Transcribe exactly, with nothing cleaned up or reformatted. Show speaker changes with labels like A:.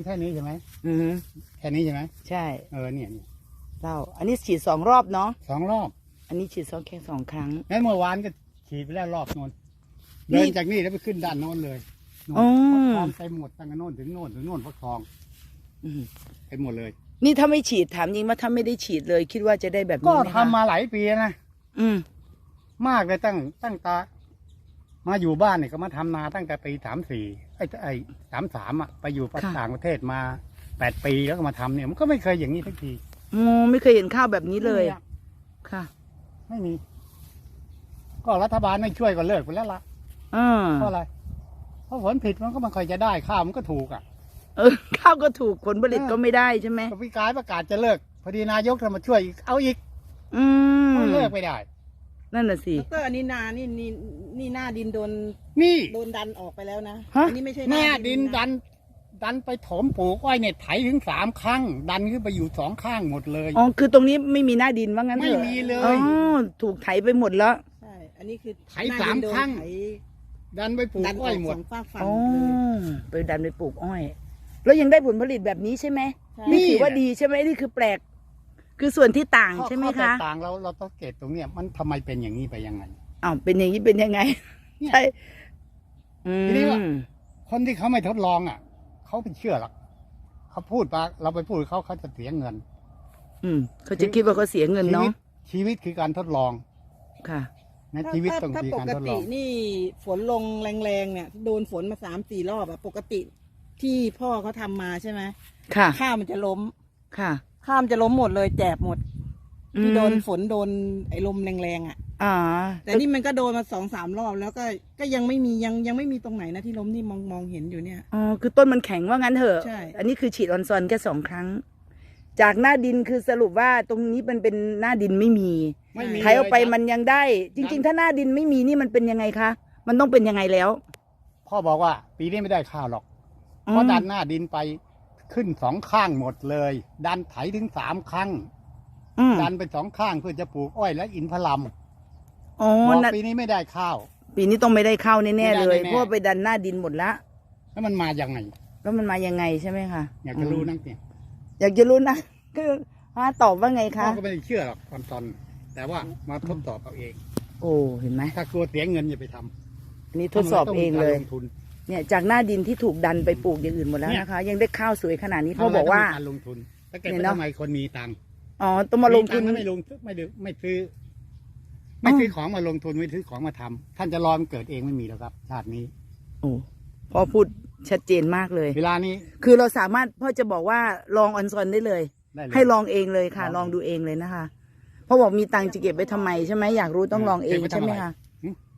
A: แค่นี้ใช่ไหม
B: อือฮึ
A: แค่นี้ใช่ไหม
B: ใช่
A: เออเนี่ยเนี่ย
B: เล่าอันนี้ฉีดสองรอบเนาะ
A: สองรอบ
B: อันนี้ฉีดสองแค่สองครั้ง
A: งั้นเมื่อวานก็ฉีดไปแล้วรอบโน้น
B: นี่
A: เดินจากนี่แล้วไปขึ้นด้านโน้นเลยโน่น
B: อ๋อ
A: ฟักทองไปหมดตั้งแต่โน้นถึงโน้นถึงโน้นฟักทอง
B: อืม
A: ไปหมดเลย
B: นี่ถ้าไม่ฉีดถามจริงว่าถ้าไม่ได้ฉีดเลย คิดว่าจะได้แบบ
A: ก็
B: นี้ไหม
A: ทำ
B: คะ
A: มาหลายปีนะ
B: อืม
A: มากเลยตั้งตั้งตา มาอยู่บ้านเนี่ยก็มาทำนาตั้งแต่ปีสามสี่ไอ้ไอ้สามสามอ่ะไปอยู่ต่างประเทศมาแปดปีแล้วก็มาทำเนี่ยมันก็ไม่เคยอย่างนี้ทักที
B: อ๋อไม่เคยเห็นข้าวแบบนี้เลย
A: ไม่มีอะ
B: ค่ะ
A: ไม่มี ก็รัฐบาลไม่ช่วยก็เลิกไปแล้วล่ะ
B: อ่า
A: เพราะอะไร เพราะผลผิดมันก็ไมันค่อยจะได้ข้าวมันก็ถูกอ่ะ
B: เออข้าวก็ถูกผลผลิต
A: เออ
B: ก็ไม่ได้ใช่ไหม
A: ก็พิการประกาศจะเลิก พอดีนายกจะมาช่วยอีกเอาอีก
B: อืม
A: ก็เลิกไม่ได้
B: นั่นน่ะสิ
C: ดรอันนี้นานี่นี่นี่หน้าดินโดน
A: นี่
C: โดนดันออกไปแล้วนะ
B: ฮะ
C: อันี้ไม่ใช่
A: หน้าดิน
C: นะ
A: ดัน ดันไปถมปลูกอ้อยเนี่ยไถถึงสามครั้ง ดันขึ้นไปอยู่สองข้างหมดเลย
B: อ๋อคือตรงนี้ไม่มีหน้าดินว่างั้นเถอะ
A: ไม่มีเลย
B: อ๋อถูกไถไปหมดแล้ว
C: ใช่ อันนี้คือ
A: ไถ
C: หน้
A: สาม
C: ดินโดน
A: ครั้ง
C: ไถ
A: ดันไปปลูก
C: ดันอ
A: อ้
C: อ
A: อย
C: ก
A: หม
C: ส
A: ด
C: องฝากฝั่ง
B: อ๋อ
C: เลย
B: ไปดันไปปลูกอ้อย แล้วยังได้ผลผลิตแบบนี้ใช่ไหม
C: ใช่
B: นี่ถือว่าดีใช่ไหมนี่คือแปลก คือส่วนที่ต่าง
A: ข้อ
B: ใช่ไหม
A: ข้อแต
B: คะ
A: กต่างเราเราต้องเกตตรงเนี้ยมันทำไมเป็นอย่างนี้ไปยังไง
B: อ้าวเป็นอย่างนี้เป็นยังไง
A: เนี่ย
B: ใช่อื
A: ทีนี้ว่า
B: ม
A: คนที่เขาไม่ทดลองอ่ะเขาไม่เชื่อหรอกเขาพูดมาเราไปพูดกับเขาเขาจะเสียเงิน
B: อืมเขาจะคิดว่าเขาเสียเงิน
A: ชีวิ
B: เนาะ
A: ตชีวิตคือการทดลอง
B: ค่ะ
A: นะ
C: ถ้า
A: ชีวิต
C: ถ้า
A: ต้อง
C: ถ้า
A: มี
C: ป
A: การ
C: ก
A: ทดล
C: ติ
A: อง
C: นี่ฝนลงแรงๆเนี่ย โดนฝนมาสามสี่รอบอะปกติที่พ่อเขาทำมาใช่ไหม
B: ค่ะ
C: ข้าวมันจะล้ม
B: ค่ะ
C: ข้าวมันจะล้มหมดเลยแจบหมด
B: อืม
C: ที่โดนฝนโดนไอ้ลมแรงๆอ่ะ
B: อ่า
C: แต่นี่มันก็โดนมาสองสามรอบแล้วก็ก็ยังไม่มียังยังไม่มีตรงไหนนะที่ล้มนี่มองมองเห็นอยู่เนี่ย
B: อ๋อคือต้นมันแข็งว่างั้นเถอะ
C: ใช่
B: อันนี้คือฉีดออนซอนแค่สองครั้ง จากหน้าดินคือสรุปว่าตรงนี้มันเป็นหน้าดินไม่มี
A: ไม่มี
B: ไถเอาไป
A: เลย
B: มันยังได้ จริง ๆ ถ้าหน้าดินไม่มีนี่มันเป็นยังไงคะมันต้องเป็นยังไงแล้ว
A: พ่อบอกว่า ปีนี้ไม่ได้ข้าวหรอก
B: อืม
A: เพราะดันหน้าดินไปขึ้นสองข้างหมดเลย ดันไถถึงสามครั้ง
B: อืม
A: ดันไปสองข้างเพื่อจะปลูกอ้อยและอินทผลัม
B: อ๋อ
A: บอก
B: นะ
A: ปีนี้ไม่ได้ข้าว
B: ปีนี้ต้องไม่ได้เข้าแน่ๆ
A: ไม่ได้
B: เลย
A: แน่ๆ
B: เพราะว่าไปดันหน้าดินหมดละ
A: แล้วมันมาอย่างไง
B: แล้วมันมายังไงใช่ไหมคะ
A: อยากจะรู้
B: อืม
A: นักเนี่ย
B: อยากจะรู้นะคือฮะตอบว่าไง
A: พ่อ
B: คะ
A: ก็ไม่ได้เชื่อหรอกตอนตอนแต่ว่ามาทดสอบเอาเอง
B: โอ้เห็นไหม
A: ถ้ากลัวเสียเงินอย่าไปทำ
B: อันนี้ทดสอบเองเลย
A: ทำะไรต้มีการลงทุน
B: เนี่ยจากหน้าดินที่ถูกดันไปปลูกอย่างอื่นหมดแล้ว
A: เนี่ย
B: นะคะ ยังได้ข้าวสวยขนาดนี้พ่อบอกว่า
A: ทำะไรต้งมีการลงทุนแล้วแก
B: เนี่
A: ไป
B: ยเนอะ
A: ทำไมคนมีตังค์
B: อ๋อต้องมาลงทุน
A: ตัค์แล้วไม่ลงไม่ดืไม่ซื้อ ไม่ซื้อของมาลงทุนไม่ซื้อของมาทำท่านจะรอมันเกิดเองไม่มีแล้วครับ ชาตินี้
B: โอ้พ่อพูดชัดเจนมากเลย
A: เวลานี้
B: คือเราสามารถพ่อจะบอกว่าลองออนซอนได้เลย
A: ได้เลย
B: ให้ลองเองเลยค่ะ
A: ล
B: ล
A: อ
B: อง ง
A: เอง
B: ดูเองเลยนะคะพ่อบอกมีตังค์จะเก็บไว้ทำไมใช่ไหมอยากรู้ต้องลองเอง
A: เก็บไว้ทำ
B: ใช่ไหม
A: อะไร
B: คะ
A: หึ